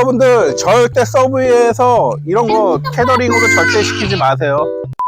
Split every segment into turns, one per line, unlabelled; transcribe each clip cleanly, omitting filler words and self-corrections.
여러분들 절대 서브웨이에서 이런 거 캐더링으로 절대 시키지 마세요.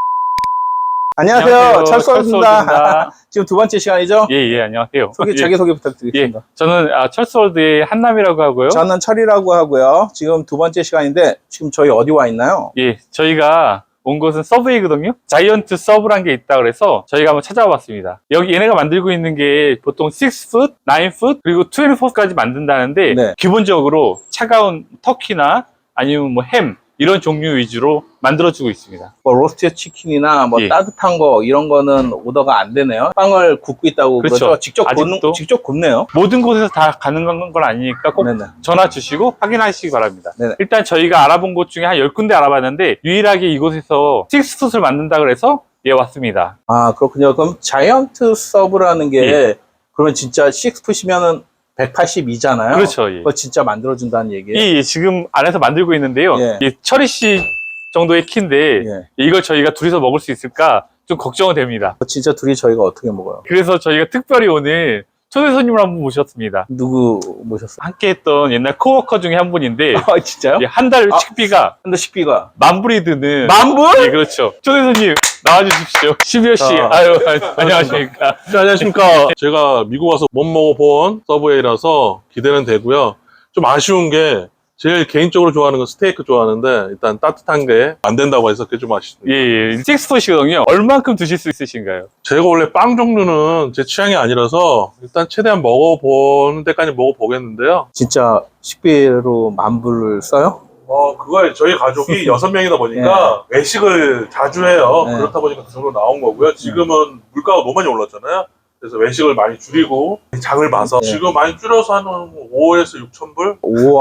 안녕하세요. 철수월드입니다. 지금 두 번째 시간이죠?
예, 안녕하세요.
자기소개 부탁드리겠습니다.
저는 철수월드의 한남이라고 하고요.
저는 철이라고 하고요. 지금 두 번째 시간인데 지금 저희 어디 와 있나요?
예, 저희가 온 곳은 서브웨이거든요. 자이언트 서브란 게 있다 그래서 저희가 한번 찾아와 봤습니다. 여기 얘네가 만들고 있는 게 보통 6풋, 9풋, 그리고 24까지 만든다는데
네.
기본적으로 차가운 터키나 아니면 뭐 햄 이런 종류 위주로 만들어주고 있습니다.
뭐 로스트 치킨이나 뭐
예.
따뜻한 거 이런 거는 오더가 안 되네요. 빵을 굽고 있다고
그렇죠.
그러죠? 직접 굽네요.
모든 곳에서 다 가는 건 아니니까 꼭
네네.
전화 주시고 확인하시기 바랍니다.
네네.
일단 저희가 알아본 곳 중에 한 10군데 알아봤는데 유일하게 이곳에서 6풋을 만든다 그래서 예 왔습니다.
아 그렇군요. 그럼 자이언트 서브라는 게
예.
그러면 진짜 6풋이면은 182잖아요.
그렇죠. 예.
그거 진짜 만들어준다는 얘기예요.
이 지금 안에서 만들고 있는데요.
예.
이 철이 씨 정도의 키인데
예.
이걸 저희가 둘이서 먹을 수 있을까 좀 걱정은 됩니다.
진짜 둘이 저희가 어떻게 먹어요?
그래서 저희가 특별히 오늘 초대 손님을 한 분 모셨습니다.
누구 모셨어요?
함께 했던 옛날 코워커 중에 한 분인데
아 진짜요?
한 달 식비가
근데 식비가
만불이 드는
만불?
예, 그렇죠. 초대 손님 나와주십시오. 12호 씨. 아유, 안녕하십니까.
네, 안녕하십니까. 제가 미국 와서 못 먹어본 서브웨이라서 기대는 되고요. 좀 아쉬운 게 제일 개인적으로 좋아하는 건 스테이크 좋아하는데 일단 따뜻한 게 안 된다고 해서 그게 좀 아쉽습니다.
예. 6풋이거든요. 얼만큼 드실 수 있으신가요?
제가 원래 빵 종류는 제 취향이 아니라서 일단 최대한 먹어보는 데까지 먹어보겠는데요.
진짜 식비로 만불을 써요?
그거에 저희 가족이 6명이다 보니까 외식을 자주 해요.
네.
그렇다 보니까 그 정도 나온 거고요. 지금은 물가가 너무 많이 올랐잖아요. 그래서 외식을 많이 줄이고 장을 봐서
네.
지금 많이 줄여서 한 5에서 6천 불?
우와.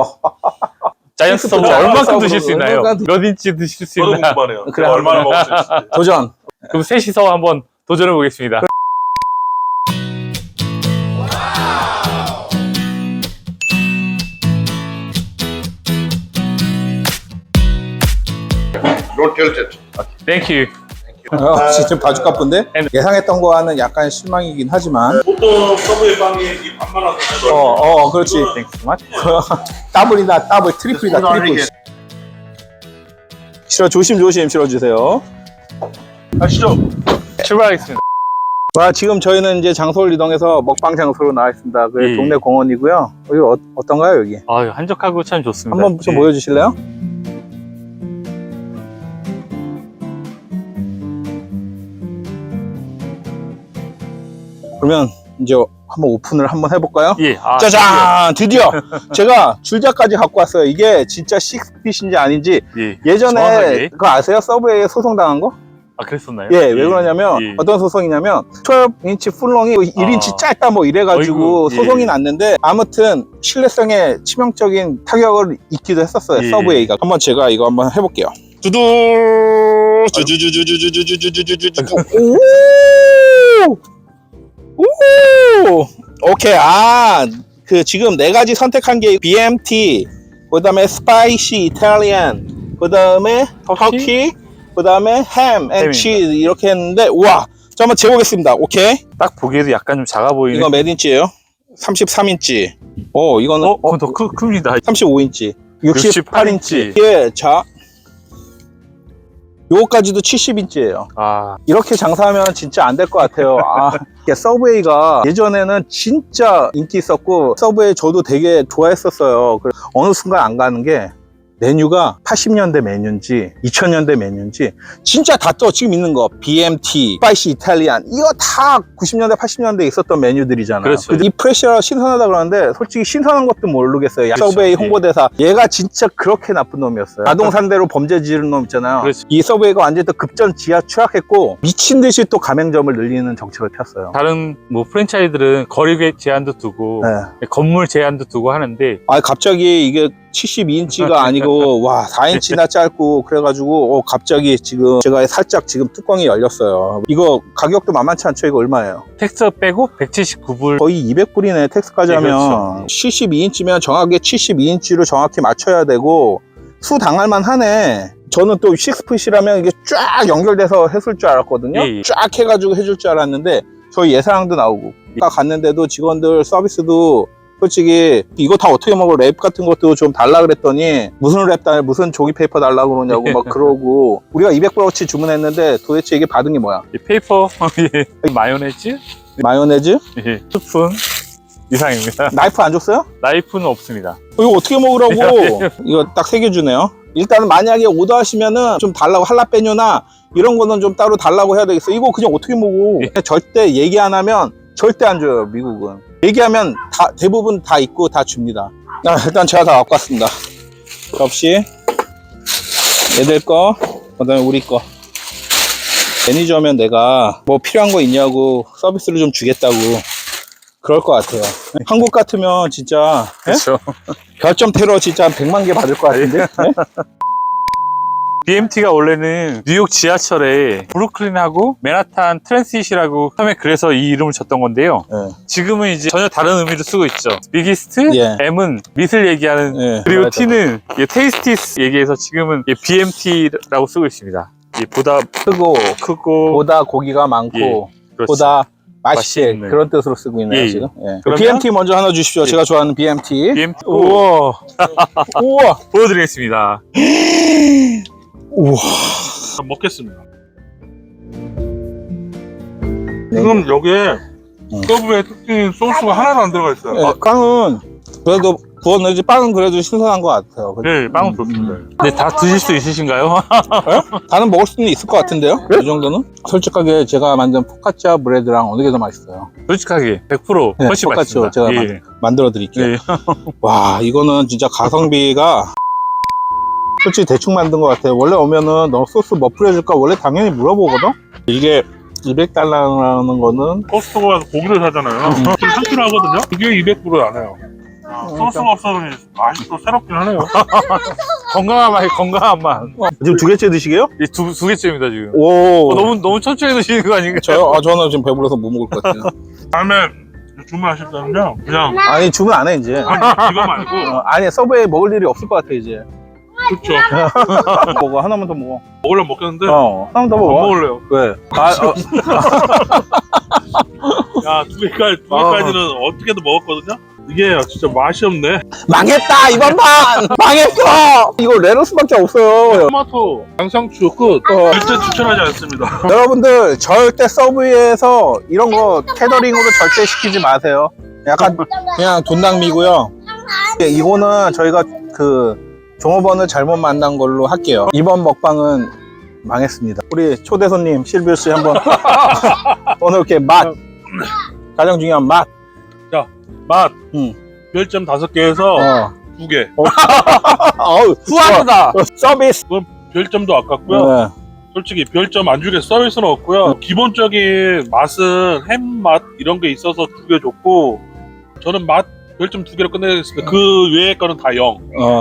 자이언트 서브
자이언트
얼만큼
서브로
드실 수 있나요? 몇 인치 드실 수
저도
있나?
궁금하네요.
그래,
얼마나 먹을 수 있을지.
도전.
그럼 셋이서 한번 도전해 보겠습니다.
Don't tilt it.
땡큐.
진짜 바주카프인데 예상했던 거와는 약간 실망이긴 하지만
보통 서브웨이 빵이 이 반만 하잖아요.
그렇지.
땡큐 소 마치.
더블이다 더블 트리플이다 트리플. 조심 실어주세요.
아시죠?
출발하겠습니다.
와 지금 저희는 이제 장소를 이동해서 먹방 장소로 나와 있습니다. 그
예.
동네 공원이고요. 여기 어떤가요 여기?
아유, 한적하고 참 좋습니다.
한번 좀
예.
보여주실래요? 그러면 이제 한번 오픈을 한번 해볼까요?
예.
짜잔! 드디어 제가 줄자까지 갖고 왔어요. 이게 진짜 식스핏인지 아닌지
예.
예전에
정확하게.
그거 아세요? 서브웨이에 소송당한 거?
아, 그랬었나요?
예, 왜 그러냐면
예.
어떤 소송이냐면 12인치 풀롱이 1인치 짧다 뭐 이래가지고
어이구, 예.
소송이 났는데 아무튼 신뢰성에 치명적인 타격을 입기도 했었어요.
예.
서브웨이가. 한번 제가 이거 한번 해볼게요. 두두 오! 오케이. 그 지금 네 가지 선택한 게 BMT, 그 다음에 스파이시 이탈리안, 그 다음에 터키, 그 다음에 햄 앤 치즈 이렇게 했는데 우와. 자 한번 재보겠습니다. 오케이.
딱 보기에도 약간 좀 작아 보이는.
이거 몇 인치예요? 33인치. 이거는
그건 더 큽니다.
35인치. 68인치. 예, 자. 요거까지도 70인치예요.
아,
이렇게 장사하면 진짜 안 될 것 같아요. 이게 서브웨이가 예전에는 진짜 인기 있었고 서브웨이 저도 되게 좋아했었어요. 어느 순간 안 가는 게 메뉴가 80년대 메뉴인지 2000년대 메뉴인지 진짜 다 또 지금 있는 거 BMT, 스파이시 이탈리안 이거 다 90년대 80년대에 있었던 메뉴들이잖아요.
그렇죠.
이 프레셔가 신선하다 그러는데 솔직히 신선한 것도 모르겠어요.
그렇죠.
서브웨이 홍보대사 얘가 진짜 그렇게 나쁜 놈이었어요. 자동산대로 범죄 지르는 놈 있잖아요.
그렇죠.
이 서브웨이가 완전히 또 급전 지하 추락했고 미친 듯이 또 가맹점을 늘리는 정책을 폈어요.
다른 뭐 프랜차이즈들은 거리 제한도 두고
네.
건물 제한도 두고 하는데
갑자기 이게 72인치가 아니고 와 4인치나 짧고 그래가지고 갑자기 지금 제가 살짝 지금 뚜껑이 열렸어요. 이거 가격도 만만치 않죠? 이거 얼마예요?
텍스 빼고 179불.
거의 200불이네 텍스까지
네,
하면.
그렇죠.
72인치면 정확하게 72인치로 정확히 맞춰야 되고 수 당할만 하네. 저는 또 6풋이라면 이게 쫙 연결돼서 했을 줄 알았거든요.
예.
쫙 해가지고 해줄 줄 알았는데 저희 예상도 나오고 갔는데도 직원들 서비스도 솔직히 이거 다 어떻게 먹어? 랩 같은 것도 좀 달라 그랬더니 무슨 랩 달, 무슨 종이 페이퍼 달라고 그러냐고 막 그러고 우리가 200불어치 주문했는데 도대체 이게 받은 게 뭐야?
이 페이퍼, 예. 마요네즈,
마요네즈?
예. 스푼 이상입니다.
나이프 안 줬어요?
나이프는 없습니다.
이거 어떻게 먹으라고? 이거 딱 3개 주네요. 일단은 만약에 오더하시면은 좀 달라고 할라페뇨나 이런 거는 좀 따로 달라고 해야 되겠어. 이거 그냥 어떻게 먹어? 절대 얘기 안 하면 절대 안 줘요, 미국은. 얘기하면 다 대부분 다 있고 다 줍니다. 일단 제가 다 갖고 왔습니다. 접시, 얘들 거, 그다음에 우리 거. 매니저면 내가 뭐 필요한 거 있냐고 서비스를 좀 주겠다고 그럴 것 같아요. 한국 같으면 진짜
그렇죠.
별점 테러 진짜 한 100만 개 받을 것 같은데? 네?
BMT가 원래는 뉴욕 지하철에 브루클린하고 맨하탄 트랜시시라고 처음에 그래서 이 이름을 줬던 건데요.
네.
지금은 이제 전혀 다른 의미로 쓰고 있죠. 비기스트,
예.
M은 밑을 얘기하는,
예,
그리고
맞아요.
T는 테이스티스 얘기해서 지금은 BMT라고 쓰고 있습니다. 보다 크고
보다 고기가 많고
예, 그렇죠.
보다 맛있게
맛있는.
그런 뜻으로 쓰고 있네요.
예,
지금. 예.
그러면-
BMT 먼저 하나 주십시오.
예.
제가 좋아하는 BMT.
BMT
우와. 우와.
보여드리겠습니다.
우와.
먹겠습니다.
네.
지금 여기에 서브웨이 특징인 소스가 하나도 안 들어가 있어요.
예, 빵은 그래도 구웠는지 빵은 그래도 신선한 것 같아요.
네, 빵은 좋습니다. 근데 다 드실 수 있으신가요?
다는 먹을 수는 있을 것 같은데요? 이 정도는? 솔직하게 제가 만든 포카치아 브레드랑 어느 게 더 맛있어요?
솔직하게 100%
네,
훨씬
똑같죠.
맛있습니다.
제가
예.
만들어 드릴게요.
예.
와, 이거는 진짜 가성비가 솔직히 대충 만든 것 같아요. 원래 오면은 너 소스 뭐 뿌려줄까? 원래 당연히 물어보거든? 이게 200달러라는 거는
코스트코 가서 고기를 사잖아요. 지금 한키로 하거든요. 그게 200불을 안 해요. 소스가 없어서 맛이 또 새롭긴 하네요.
건강한 맛, 건강한 맛.
지금 2개째 드시게요?
두 개째입니다, 지금.
오.
너무 천천히 드시는 거 아닌가요?
저는 지금 배불러서 못 먹을 것 같아요.
다음에 주문하실 때는요, 그냥
아니, 주문 안 해, 이제.
아니, 이거 말고
아니, 서브웨이 먹을 일이 없을 것 같아, 이제.
그렇죠.
먹어, 하나만 더 먹어.
먹으려면 먹겠는데
하나만 더
안
먹어.
먹을래요.
왜?
야, 두 개까지는 어떻게든 먹었거든요. 이게 진짜 맛이 없네.
망했다, 이번 판! 망했어! 이거 레러스밖에 없어요.
토마토, 양상추 끝. 절대 추천하지 않습니다.
여러분들 절대 서브웨이에서 이런 거 캐더링으로 절대 시키지 마세요. 약간 그냥 돈 낭비고요. 이거는 저희가 그 종업원을 잘못 만난 걸로 할게요. 이번 먹방은 망했습니다. 우리 초대 손님 실비오 씨 한번 오늘 이렇게 맛 가장 중요한 맛.
맛
응.
별점 5개에서 2개.
어우
후하다.
서비스.
별점도 아깝고요.
네.
솔직히 별점 안 주게 서비스는 없고요. 기본적인 맛은 햄 맛 이런 게 있어서 2개 줬고, 저는 맛 별점 2개로 끝내겠습니다. 그 외의 거는 다 0.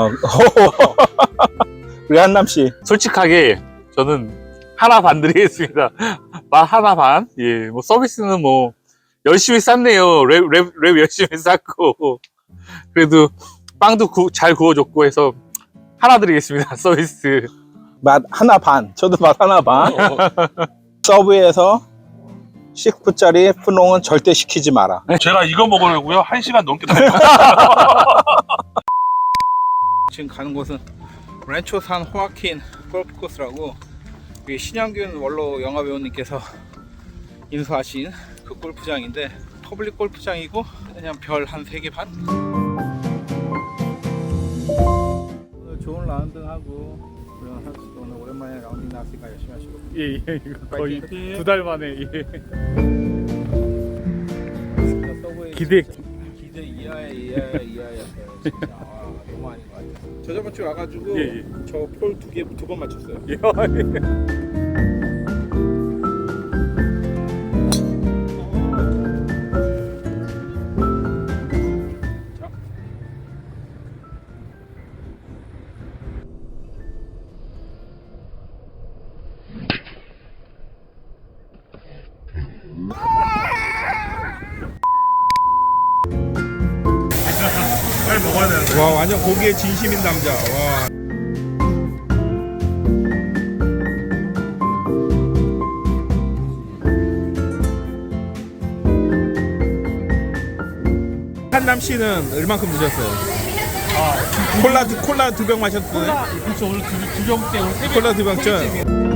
우리 한남 씨.
솔직하게 저는 하나 반 드리겠습니다. 맛 하나 반. 예, 뭐 서비스는 뭐 열심히 쌌네요. 랩 열심히 쌌고, 그래도 빵도 잘 구워줬고 해서 하나 드리겠습니다. 서비스.
맛 하나 반. 저도 맛 하나 반. 서브웨이에서 10불짜리 푸농은 절대 시키지 마라.
제가 이거 먹으려고요 1시간 넘게 다녔어요.
지금 가는 곳은 렌초산 호아킨 골프 코스라고 우리 신영균 원로 영화배우님께서 인수하신 그 골프장인데 퍼블릭 골프장이고 그냥 별 한 3개 반? 오늘 좋은 라운드 하고 그런 선수도 오늘 오랜만에 라운딩 나왔으니까 열심히 하시고
예, 이거
거의
두 달 만에. 예.
기대 이하였어요 진짜. 너무 아닌 것 같아요. 저 저번 주에 와가지고
예.
저 폴 두 번 맞췄어요.
빨리 먹어야 되는데.
와, 완전 고기에 진심인 남자. 와.
한남 씨는 얼만큼 드셨어요? 콜라 두 병 마셨어요?
그렇죠. 오늘 두 병째, 오늘 세 병.
콜라 두 병째.